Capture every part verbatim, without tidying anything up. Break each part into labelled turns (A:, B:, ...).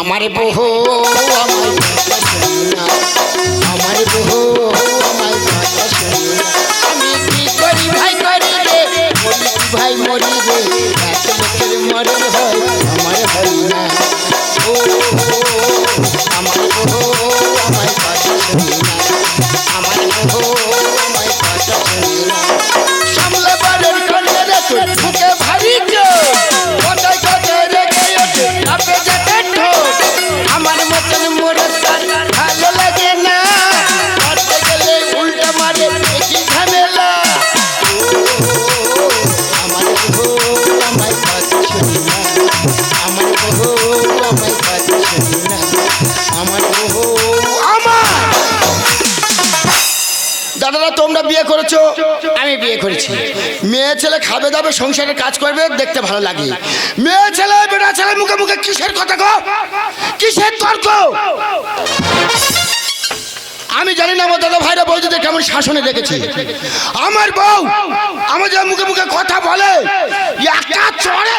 A: আমার বহু আমার কথা শোনে না, আমার বহু আমার কথা শোনে না। আমি কি করি ভাই করি রে, বলি কি ভাই মরি রে, এক লোকের মরণ হয় আমার হয় না। ও আমার বহু আমার কথা শোনে না, আমার বহু আমার কথা শোনে না। সামলে বাড়ির কন্যা রে তোর বুকে ভারী জোর, কোথায় কোথায় রেখে ওঠে আপে যেতে ঠোঁট। আমার মতন মোরে তার ভালো লাগে না, করতে গেলে উল্টা মারে কি ঝামেলা। আমার বহু আমার কথা শোনে না, আমার বহু আমার কথা শোনে না, আমার বহু আমার। দাদারা তোমরা বিয়ে করেছো, আমি বিয়ে করেছি। মেয়ে ছেলে খাবে দাবে সংসারের কাজ করবে, দেখতে ভালো লাগে। মেয়ে ছেলে বেটা ছেলে মুখে মুখে কিসের কথা গো, কিসের তর্ক? আমি জানি না আমার দাদা ভাইরা বৌদিদের কেমন শাসনে রেখেছে। আমার বউ আমাদের মুখে মুখে কথা বলে, একটা চড়ে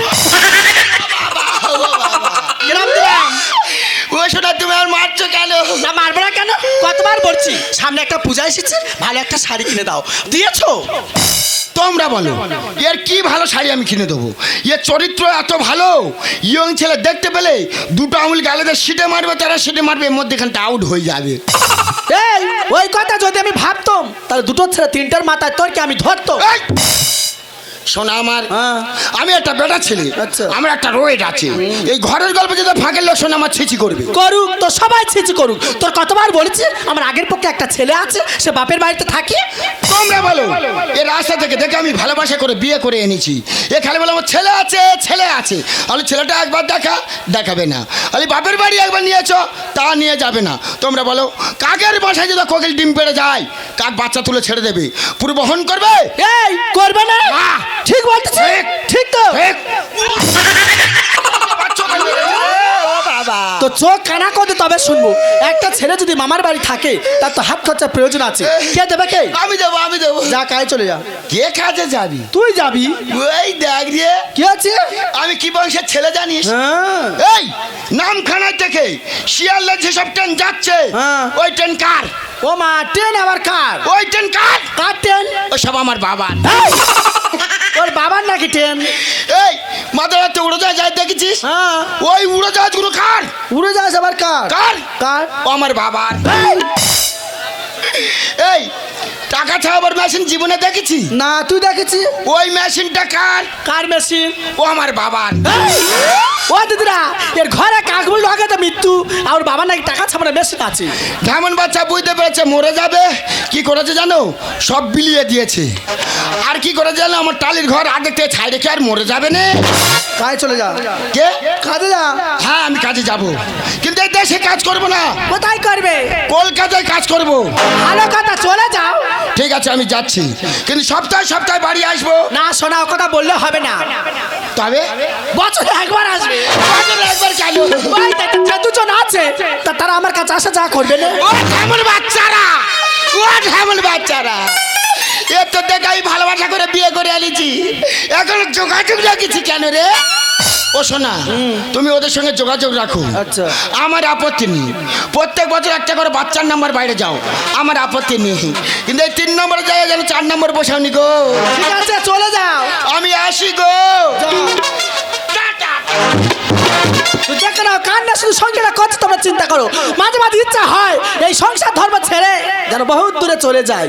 A: ও শোনা তুমি আর মারছো কেন?
B: না মারবো না কেন, কতবার বলছি সামনে একটা পূজা এসেছে, ভালো একটা শাড়ি কিনে দাও, দিয়েছো?
A: তোমরা বলো এর কি ভালো শাড়ি আমি কিনে দেবো? এর চরিত্র এত ভালো, ইয়ং ছেলে দেখতে পেলে দুটো আঙুল গালেদের সিটে মারবে, তারা সিটে মারবে, এর মধ্যেখানটা আউট হয়ে যাবে।
B: এই ওই কথা যদি আমি ভাবতাম তাহলে দুটো ছেলে তিনটার মাথায় তোর কি আমি ধরতো।
A: এই! শোনা আমার,
B: হ্যাঁ।
A: আমি একটা বেটা ছেলে,
B: আচ্ছা।
A: আমার একটা রোয়েট আছে। এই ঘরের গল্প যদি ফাঁকের লোক শোনা আমার ছিচি করবে।
B: করুক তো সবাই ছিচি করুক, তোর কতবার বলেছি আমার আগের পক্ষে একটা ছেলে আছে, সে বাপের বাড়িতে থাকে।
A: তোমরা বলো এই রাস্তা থেকে দেখে আমি ভালোবাসা করে বিয়ে করে এনেছি। এ খালি বলে আমার ছেলে আছে ছেলে আছে, তাহলে ছেলেটা একবার দেখা দেখাবে না, তাহলে বাপের বাড়ি একবার নিয়েছো তা নিয়ে যাবে না। তোমরা বলো কাকের বাসায় যদি কোকিল ডিম পেড়ে যায়, কাক বাচ্চা তুলে ছেড়ে দেবে, পুরো বহন করবে?
B: এই করবে না,
A: না।
B: ঠিক বলতেছি,
A: ঠিক।
B: ঠিক তো।
A: ঠিক।
B: তো চোখ কানা করে তবে শুনবো, একটা ছেলে যদি মামার বাড়ি থাকে তার তো হাত খরচার প্রয়োজন আছে, কে দেবে কে?
A: আমি দেবো আমি দেবো।
B: যা কাজে চলে যা।
A: কে কাজে যাবি?
B: তুই যাবি?
A: ওই দেখ রে,
B: কি আছে?
A: আমি কি বংশের ছেলে জানিস?
B: হ্যাঁ।
A: এই নামখানায় থেকে শিয়ালদা যেসব ট্রেন যাচ্ছে,
B: হ্যাঁ।
A: ওই ট্রেন কার?
B: ও মা, ট্রেন আবার কার?
A: ওই ট্রেন কার?
B: কার ট্রেন?
A: ও সব আমার বাবার।
B: এই, ওর বাবার নাকি ট্রেন?
A: এই মাদারাতে উড়োজাহাজ যায় দেখেছিস?
B: হ্যাঁ।
A: ওই উড়োজাহাজগুলো কার?
B: উড়ে যাস আবার কার?
A: কার?
B: কার?
A: ও আমার বাবার।
B: এই,
A: এই টাকা ছাড়াবার মেশিন জীবনে দেখেছি?
B: না তুই দেখেছি?
A: ওই মেশিনটা কার?
B: কার মেশিন?
A: ও আমার বাবার।
B: এই, ও দিদিরা, এর ঘরে কাকবুল লাগাতে মৃত্যু, আর ওর বাবার নাকি টাকা ছাপানো মেশিন আছে।
A: যেমন বাচ্চা বুঝতে পেরেছে মরে যাবে, কি করেছে জানো? সব বিলিয়ে দিয়েছে। আর কি করে জানো? আমার টালির ঘর আগে থেকে ছাই রেখে আর মরে যাবে না।
B: কাজে চলে যা।
A: কে?
B: কাজে যা।
A: হ্যাঁ আমি কাজে যাব, কিন্তু এই দেশে কাজ করব না,
B: কোথায় করবে?
A: কলকাতায় কাজ করব।
B: ভালো কথা, চলে যাও।
A: ঠিক আছে আমি যাচ্ছি, কিন্তু সপ্তাহে সপ্তাহে বাড়ি আসবো।
B: না শোনা, ও কথা বললে হবে না,
A: তবে
B: বছরে একবার আসবে।
A: বছরে একবার কেন?
B: ওই দেখ, যে দুজন আছে তা তারা আমার কাছে আসা যা করবে না।
A: ও ঢেমন বাচ্চারা, ও ঢেমন বাচ্চারা, এ তো দেখে আমি ভালোবাসা করে বিয়ে করে আনিছি, এখন যোগাযোগ রাখিছি কেন রে? ও শোনা, তুমি ওদের সঙ্গে যোগাযোগ রাখো।
B: আচ্ছা।
A: আমার আপত্তি নেই, প্রত্যেক বছর একটা করে বাচ্চার নাম্বার বাইরে যাও, আমার আপত্তি নেই, কিন্তু এই তিন নম্বরে জায়গায় যেন চার নম্বর বসাওনি গো।
B: ঠিক আছে চলে যাও।
A: আমি আসি গো। টাটা।
B: তুই দেখে নাও, কান্না শুধু সংসারটা করছে তোমরা চিন্তা করো, মাঝে মাঝে ইচ্ছা হয় এই সংসার ধর্ম ছেড়ে যেন বহুত দূরে চলে যাই।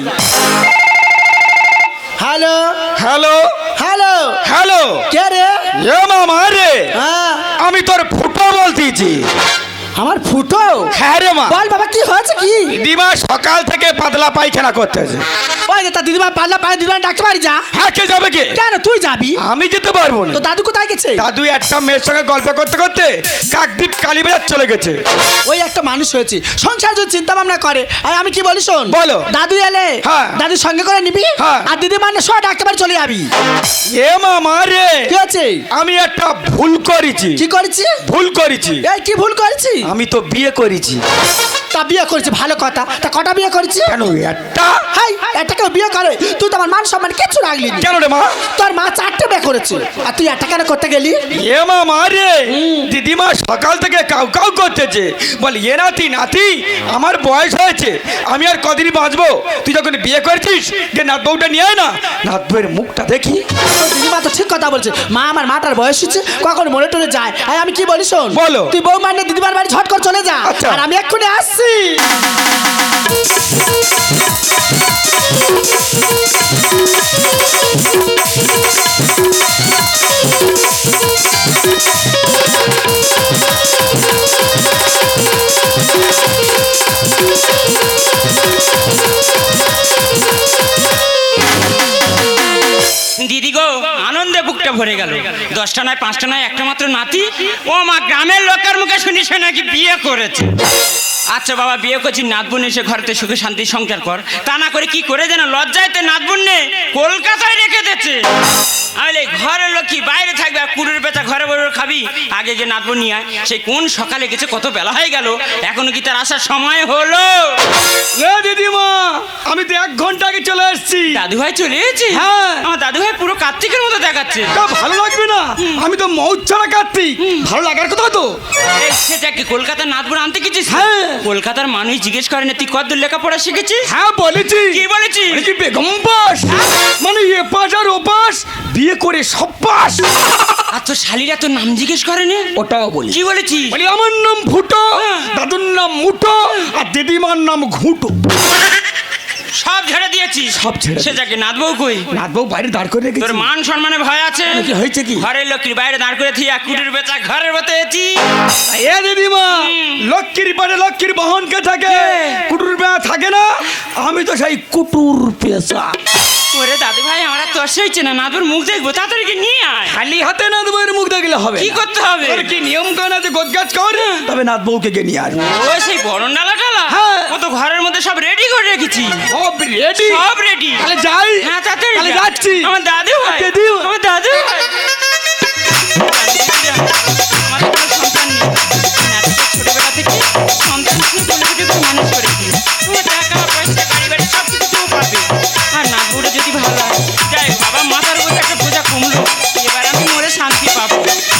B: হ্যালো
C: হ্যালো
B: হ্যালো,
C: হ্যালো,
B: কে রে?
C: এ মামা রে,
B: হ্যাঁ,
C: আমি তোর ফুটো বলতেছি।
B: আমার ফুটো?
C: হ্যাঁ রে মা,
B: বল বাবা, কি হয়েছে কি?
C: দিদিমা সকাল থেকে পাতলা পায়খানা করতেছে।
B: ওই যে তা দিদিমা পাল্লা পায়ে দিদিমা ডাকতে পারি যা।
C: হ্যাঁ, কে যাবে কে?
B: কেন তুই যাবি?
C: আমি যেতে পারবো না।
B: তো দাদু কোথায় গেছে?
C: দাদু একটা মেয়ের সঙ্গে গল্প করতে করতে কাকদ্বীপ কালীবাজার চলে গেছে।
B: ওই একটা মানুষ হয়েছে, সংসার যদি চিন্তা ভাবনা করে। আর আমি কি বলি শোন,
C: বলো।
B: দাদু এলে
C: হ্যাঁ।
B: দাদুর সঙ্গে করে নিবি,
C: হ্যাঁ।
B: আর দিদিমার না সব ডাকতে পারি চলে যাবি।
C: এ মামা রে,
B: কি আছে?
C: আমি একটা ভুল করেছি।
B: কি করেছি?
C: ভুল করেছি।
B: এই কি ভুল করেছি?
C: আমি তো বিয়ে করেছি।
B: তা বিয়ে করেছি ভালো কথা, তা কটা বিয়ে করেছি?
C: কেন একটা?
B: হাই একটা কেউ বিয়ে করে? তুই তো আমার মান সম্মান কিছু রাখলি না।
C: কেন রে মা?
B: তোর মা চারটে বিয়ে করেছে আর তুই একটা কেন করতে গেলি?
C: এ মা মারে, দিদিমা সকাল থেকে কাউ কাউ করতেছে, বল এ নাতি নাতি আমার বয়স হয়েছে, আমি আর কদিনই বাঁচবো। তুই যখন বিয়ে করেছিস যে নাত বউটা নিয়ে আয় না, নাত বউয়ের মুখটা দেখি।
B: তোর দিদিমা তো ঠিক কথা বলছে, মা আমার মাটার বয়স হচ্ছে, কখন মনে টরে যায়। আর আমি কি বলি শোন,
C: বলো।
B: তুই বউ মানে দিদিমার বাড়ি ঝট করে চলে যা,
C: আচ্ছা।
B: আর আমি এক্ষুনি আসছি।
D: দিদি গো, আনন্দে বুকটা ভরে গেল। দশটা নয় পাঁচটা নয় একটা মাত্র নাতি, ও মা গ্রামের লোকের মুখে শুনি সে নাকি বিয়ে করেছে। আচ্ছা বাবা, বিয়ে করছি, নাতবুন এসে ঘরেতে সুখে শান্তি সংসার কর, তা না করে কি করে যেন লজ্জাইতে নাতবুন নে কলকাতায় রেখে দিচ্ছে। আমি ঘরের লোক কি বাইরে থাকবে, আর কুড়ুর বেচা ঘরে বড় খাবি, আগে যে নাতবুন নিয়ে আয়। সেই কোন সকালে গেছে, কত বেলা হয়ে গেল, এখনো কি তার আসার সময় হলো?
C: এ দিদিমা, আমি তো এক ঘন্টা আগে চলে এসেছি।
D: দাদু ভাই চলে এসেছে?
C: হ্যাঁ।
D: আমার দাদু ভাই পুরো কার্তিকের মতো দেখাচ্ছে।
C: তা ভালো লাগবে না? আমি তো মৌজ ছাড়া কার্তিক, ভালো লাগার কথা তো।
D: এই সেটাকে কলকাতার নাতবুন আনতে গেছিস?
C: হ্যাঁ।
D: কলকাতার মানুষ জিজ্ঞেস করে না তুই কতদূর লেখাপড়া শিখেছিস?
C: হ্যাঁ বলেছি।
D: কি বলেছিস?
C: মানে কি বেগম পাস, মানে A pass R O pass, বিয়ে করে সব পাস।
D: আর তোর শালিরা তোর নাম জিজ্ঞেস করেনি?
C: ওটাও বলি।
D: কি বলেছিস?
C: বলি আমার নাম ভুটো, দাদুর নাম মুটো, আর দিদিমার নাম ঘুটো।
D: সব ছেড়ে দিয়েছিস?
C: সব ছেড়ে
D: সে যাকে নাতবউ কই?
C: নাত বউ বাইরে দাঁড় করে রেখেছি।
D: তোর মান সম্মানে ভয় আছে?
C: কি হয়েছে কি?
D: ঘরের লোকের বাইরে দাঁড় করে থিয়া কুটির বেচা ঘরের মতো এসি।
C: এ দিদিমা, লক্ষ্মীর পারে লক্ষ্মীর বহনকে থাকে, কুটুর বেয়া থাকে না। আমি তো সেই কুটুর পেশা।
D: ওরে দাদু ভাই, আমরা তো আসেইছে না, নাতবুর মুখ দেখবো, তাড়াতাড়ি কি নিয়ে আয়।
C: খালি হাতে নাত বউয়ের মুখ দেখলে হবে
D: কি
C: না।
D: করতে হবে?
C: ওর কি নিয়ম কানুন আছে, গোছগাছ কর, তবে নাত বউকে গে নিয়ে আসবে।
D: ও সেই বরণ ডালা টালা?
C: হ্যাঁ।
D: ও তো ঘরের মধ্যে সব রেডি করে রেখেছি।
C: সব রেডি?
D: সব রেডি।
C: তাহলে যাই।
D: হ্যাঁ তাড়াতাড়ি
C: তাহলে
D: যা।
C: যাচ্ছি।
D: আমার দাদু ভাই,
C: দিদি ভাই।
D: আমার দাদু ভাই। আমাদের কোনো সন্তান নেই। নাতিকে ছোটবেলা থেকে সন্তান হিসেবে বলে থেকে খুব মানুষ করেছি। ও টাকা পয়সা গাড়ি বাড়ি সব কিছু কেউ পাবে। আর নাতবুটা যদি ভালো লাগে, যাই বাবা, মাথার উপর একটা বোঝা কমলো, এবার আমি মরে শান্তি পাবো।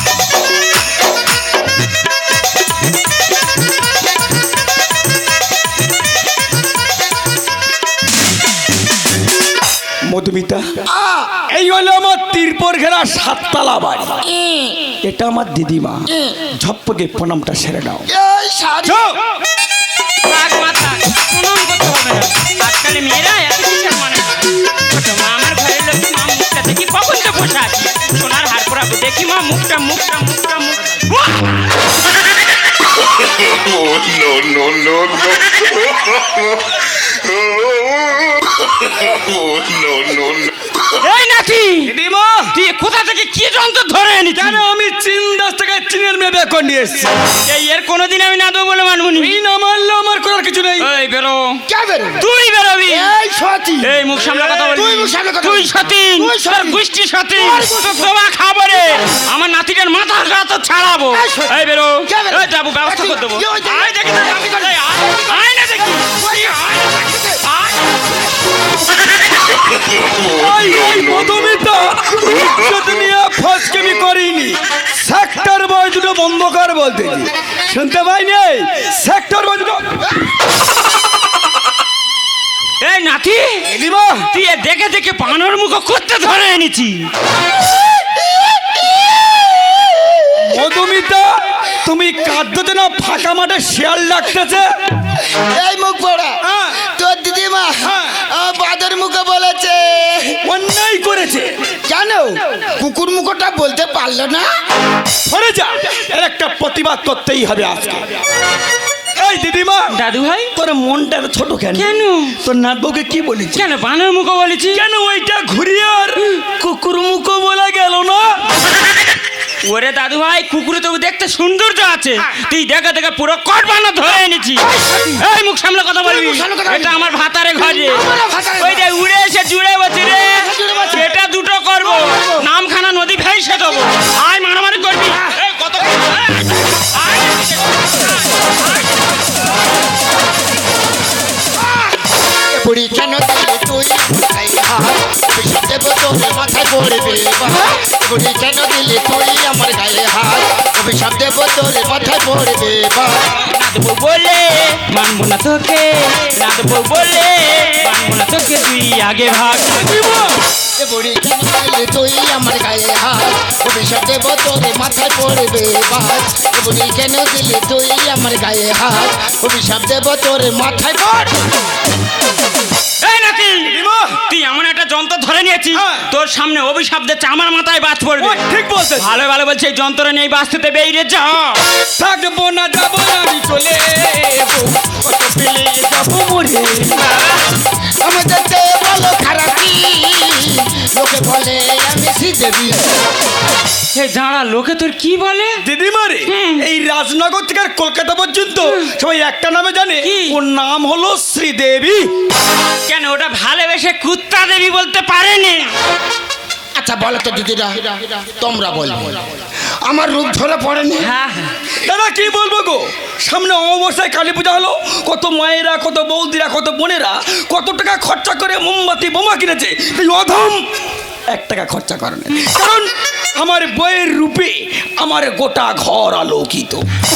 C: মধুমিতা, এই হলো আমার তিরপর ঘেরা সাততলা বাড়ি। এটা আমার দিদিমা। ঝপ্পকে প্রণামটা সেরে নাও।
A: এই শাড়ি
C: যাও।
D: থাক মা থাক, প্রণাম করতে হবে না। আজকাল মেয়েরা এত কিসের মানে না। ছোট মা, আমার ঘরের লোক, মা মুখটা দেখি কখন তো বসে আছি, সোনার হার পরাবো, দেখি মা মুখটা মুখটা মুখটা মুখ।
E: Oh, no, no, no, no. Oh, no, no, no.
D: এই নাকি
C: দিদিমা,
D: তুই কোথা থেকে কি যন্ত্র ধরে এনেছিস?
C: কেন আমি চীন দাস থেকে চীনের মেয়ে বের করে নিয়ে এসেছি।
D: এই এর কোনোদিন আমি না দেবো বলে মানবনি।
C: এই না মানলে আমার করার কিছু নেই।
D: এই বেরো,
A: কে বেরো?
D: তুই বেরোবি।
A: এই সতী,
D: এই মুখ সামলা কথা বলবি।
A: তুই মুখ সামলে কথা
D: তুই
A: বলবি।
D: সতীন,
A: তুই সতীন।
D: তোর গোষ্ঠী সতীন,
A: তোর গোষ্ঠী
D: তোর তোমা খাবো রে। আমার নাতিটার মাথার গা তো ছাড়াবো।
A: এই সতীন।
D: এই বেরো,
A: কে বেরো?
D: এই যাবো, ব্যবস্থা করে দেবো।
A: কি হয়েছে?
D: আয় দেখি না, এই আয়, আয় না দেখি। আয় না দেখি। আয়।
C: ওই ওই মধুমিতা, ইজ্জত নিয়ে ফসকেমি করিনি। সেক্টর বয় দুটো বন্ধ কর বলতেছি, শুনতে পাইনি? সেক্টর বয় দুটো।
D: এই নাতি,
C: দিদিমা,
D: তুই এ দেখে দেখে বানর মুখ করতে ধরে এনেছি।
C: মধুমিতা, তুমি কাঁদতে না, ফাঁকা মাঠে শিয়াল ডাকতেছে।
A: এই মুখ পড়া,
C: হ্যাঁ।
A: তোর দিদিমা
C: হ্যাঁ।
A: আমার বাদের মুখে বলেছে।
C: অন্যায় করেছে।
A: কেন কুকুর মুখটা বলতে পারলো না?
C: সরে যা, এর একটা প্রতিবাদ করতেই হবে আজকে। এই দিদিমা,
D: দাদু ভাই,
C: তোর মনটা এত ছোট কেন?
D: কেন?
C: তোর নাত বউকে কি বলেছি?
D: কেন বানর মুখ বলেছি?
C: কেন ওইটা ঘুরিয়ে আর কুকুর মুখো বলা গেল না?
D: ওরে দাদু ভাই, কুকুরে তো দেখতে সৌন্দর্য আছে, তুই দেখা দেখা পুরো কট বানর ধরে এনেছি। এই মুখ সামনে কথা বলবি।
A: মুখ সামলে কথা বলবি।
D: এটা আমার ভাতারে ঘরে,
A: আমারও ভাতারে
D: ওই যে উড়ে এসে জুড়ে বসে রে,
A: জুড়ে বসে।
D: এটা দুটো করবো, নামখানা নদী ভেসে দেবো। আয় মারামারি করবি। এই কত আয়, আয়।
A: তোরে মাথায় পড়বে বাস বুড়ি কেন দিলি তুই আমার গায়ে হাত অভিশাপ দেব তোরে মাথায় পড়বে বাস
D: না দেবো বলে মানবো না তোকে, না দেবো বলে মানবো না তোকে, তুই আগে ভাগ।
A: এ বুড়ি কেন দিলি তুই আমার গায়ে হাত অভিশাপ দেব তোরে মাথায় পড়বে বাস এ বুড়ি কেন দিলি তুই আমার গায়ে হাত অভিশাপ দেব তোরে মাথায় পড়
D: এই নাকি তুই এমন একটা যন্ত্র ধরে নিয়েছিস
C: হ্যাঁ।
D: তোর সামনে অভিশাপ দিচ্ছে আমার মাথায় বাজ পড়বে।
C: ও, ঠিক বলছিস।
D: ভালো ভালো বলছে এই যন্ত্র নিয়ে বাঁচতে বেরিয়ে যা।
C: থাকবো না যাবো না আমি চলে যাবো, কত পেলে যাবো মরে।
A: আমাদের চেয়ে বলো খারাপ কি লোকে বলে আমি শ্রীদেবী
D: এই যারা লোকে তোর কি বলে?
C: দিদিমারে এই রাজনগর থেকে আর কলকাতা পর্যন্ত সবাই একটা নামে জানে,
D: কি?
C: ওর নাম হলো শ্রীদেবী।
D: কেন ওটা ভালোবেসে কুত্তা দেবী বলতে পারেনি?
A: আচ্ছা বলো তো দিদিরা তোমরা বলো আমার রূপ ধরে পড়েনি
D: হ্যাঁ হ্যাঁ।
C: দাদা কি বলবো গো, সামনে অমাবস্যায় কালী পূজা হলো, কত মায়েরা কত বৌদিরা কত বোনেরা কত টাকা খরচা করে মোমবাতি বোমা কিনেছে, এই অধম এক টাকা খরচা করে না, কারণ আমার বইয়ের রূপে আমার গোটা ঘর আলোকিত।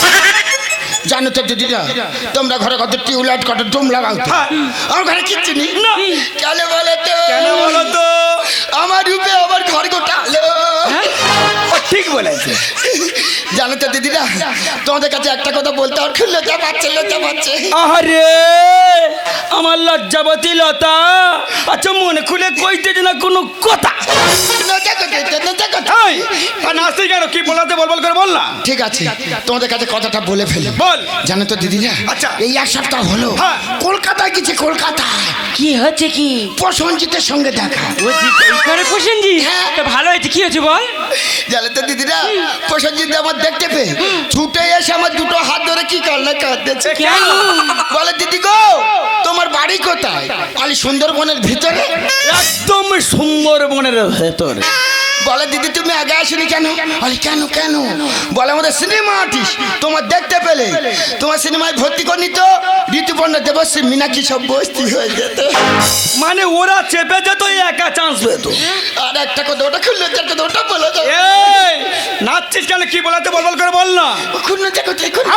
A: জানো তো দিদিরা তোমরা ঘরে কত টিউবলাইট কত ডুম লাগাও তো?
C: হ্যাঁ।
A: আমার ঘরে কিচ্ছু নেই
C: না।
A: কেন বলো তো
C: কেন বলো তো?
A: আমার রূপে আমার ঘর গোটা আলো
C: ও ঠিক বলেছে।
A: জানো তো দিদিরা তোমাদের কাছে একটা কথা বলতে আমার খুব লজ্জা পাচ্ছে লজ্জা পাচ্ছে
C: আরে আমার লজ্জাবতী লতা, আচ্ছা মনে খুলে কইতেছে না কোনো কথা।
A: লজ্জা করতে লজ্জা করতে
C: এই, আর নাচতে কেন কি বলাতে বল বল করে বল না।
A: ঠিক আছে তোমাদের কাছে কথাটা বলে ফেলি
C: বল।
A: জানো তো দিদিরা
C: আচ্ছা।
A: এই এক সপ্তাহ হলো
C: হ্যাঁ।
A: কলকাতায় গেছে কলকাতায়
D: কি হচ্ছে কি?
A: প্রসঞ্জিতের সঙ্গে দেখা
D: ও জি এই করে প্রসেনজি
A: হ্যাঁ।
D: তো ভালো হয়েছে, কি হয়েছে বল?
A: জানো তো দিদিরা প্রসঞ্জিত আমার দেখতে পেয়ে ছুটে এসে আমার দুটো হাত ধরে কি কান্না কাঁদতেছে
D: কেন?
A: বলে দিদি গো তোমার বাড়ি কোথায়? আলি সুন্দরবনের ভিতরে।
C: একদম সুন্দরবনের ভেতরে।
A: বলে দিদি তুমি আগে আসনি কেন? আলি কেন কেন? বলে আমাদের সিনেমা আর্টিস্ট তোমার দেখতে পেলে তোমার সিনেমায় ভর্তি করনি তো ঋতুপর্ণা দেবশ্রী মীনাক্ষী সব বস্তি হয়ে যেত।
C: মানে ওরা চেপে যেত একা চান্স পেত।
A: আর একটা কথা ওটা খুললো একটা কথা ওটা বলো তো
C: এই নাচছিস কেন কি বলাতে বল বল করে বল না।
A: খুললো দেখো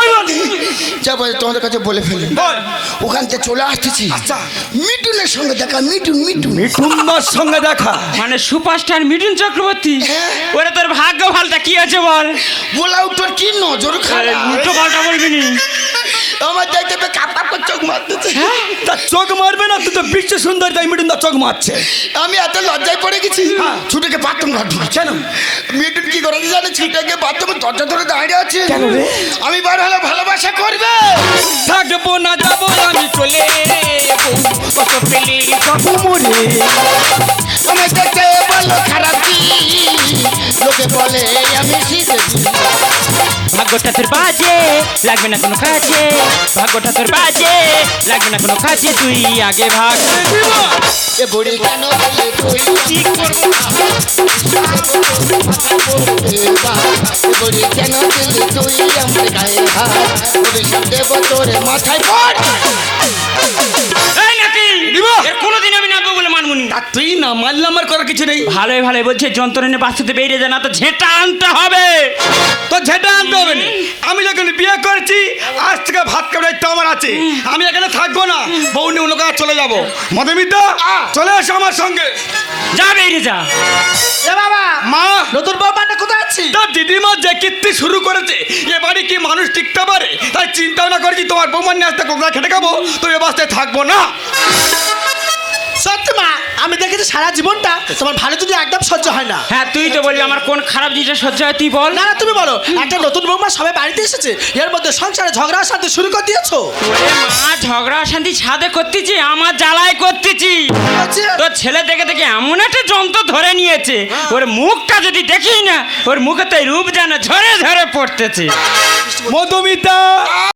A: যা বলে তোমাদের কাছে বলে ফেলি
C: বল।
A: ওখান থেকে চলে আসতেছি মিঠুনের সঙ্গে দেখা মিঠুন মিঠুন
C: মিঠুনদার সঙ্গে দেখা।
D: মানে সুপারস্টার মিঠুন চক্রবর্তী?
A: হ্যাঁ।
D: ওরে তোর ভাগ্য ভালটা, কি হয়েছে বল?
A: বলা তোর কি নজর
D: আরে
A: খারাপ
D: উল্টো পাল্টা বলবি নি।
A: আমার দেখতে পেয়ে কাপ কাপ করে চোখ মারতেছে
C: তা চোখ মারবে না, তুই তো বিশ্ব সুন্দর তাই মিঠুনদার চোখ মারছে।
A: আমি এত লজ্জায় পড়ে গেছি
C: হ্যাঁ।
A: ছুটেকে বাথরুম ঘর ঢুকে
C: কেন?
A: মিঠুন কি করে জানে ছুটেকে বাথরুমে দরজা ধরে দাঁড়িয়ে আছে
C: কেন রে?
A: আমি বার হলে ভালোবাসা করবে
C: থাকবো না যাবো আমি চলে যাবো, কত পেলে যাবো মরে।
A: আমার দেখতে বলো খারাপ কি লোকে বলে আমি শ্রীদেবী
D: ভাগ্যটা তোর বাজে লাগবে না কোনো কাজে, ভাগ্যটা তোর বাজে লাগবে না কোনো কাজে, তুই আগে ভাগ।
A: এ বুড়ি কেন বলে তুই
D: ঠিক করবো।
A: এ বুড়ি কেন দিলি তুই আমার গায়ে হাত অভিশাপ দেব তোরে মাথায় পড়
D: এই নাকি
C: দিব?
D: এর কোনোদিন আমি নাচবো বলে মানবুনি।
C: তা তুই না মারলে আমার করার কিছু নেই।
D: ভালোই ভালোই বলছে যন্ত্র নিয়ে বাঁচতে বেরিয়ে যায় না তো ঝেঁটা আনতে হবে।
C: তো যেটা আনতে হবে না। আমি যখন বিয়ে করেছি আজ থেকে ভাত খাওয়ার দায়িত্ব আমার আছে, আমি এখানে থাকবো না, বউ নিয়ে অন্য কাজ চলে যাবো। মধুমিতা চলে এসো আমার সঙ্গে।
D: যা বেরিয়ে যা।
B: এ বাবা
C: মা
B: নতুন বৌমাটা কোথায় আছি?
C: তার দিদিমা যে কীর্তি শুরু করেছে এ বাড়ি কি মানুষ টিকতে পারে, তাই চিন্তা ভাবনা করেছি তোমার বৌমার নিয়ে আসতে কোকড়া খেটে খাবো, তো এ বাস্তায় থাকবো না।
B: সত্যি মা আমি দেখেছি সারা জীবনটা তোমার ভালো যদি একদম সহ্য হয় না।
D: হ্যাঁ তুই তো বলবি আমার কোন খারাপ জিনিসটা সহ্য হয়, তুই বল।
B: না না তুমি বলো একটা নতুন বৌমা সবাই বাড়িতে এসেছে এর মধ্যে সংসারে ঝগড়া শান্তি শুরু করে দিয়েছো।
D: ওরে মা ঝগড়া শান্তি ছাদে করতেছি, আমার জ্বালায় করতেছি।
B: হচ্ছে?
D: তোর ছেলে দেখে দেখে এমন একটা যন্ত্র ধরে নিয়েছে, ওর মুখটা যদি দেখি না ওর মুখে তো রূপ যেন ঝরে ঝরে পড়তেছে।
C: মধুমিতা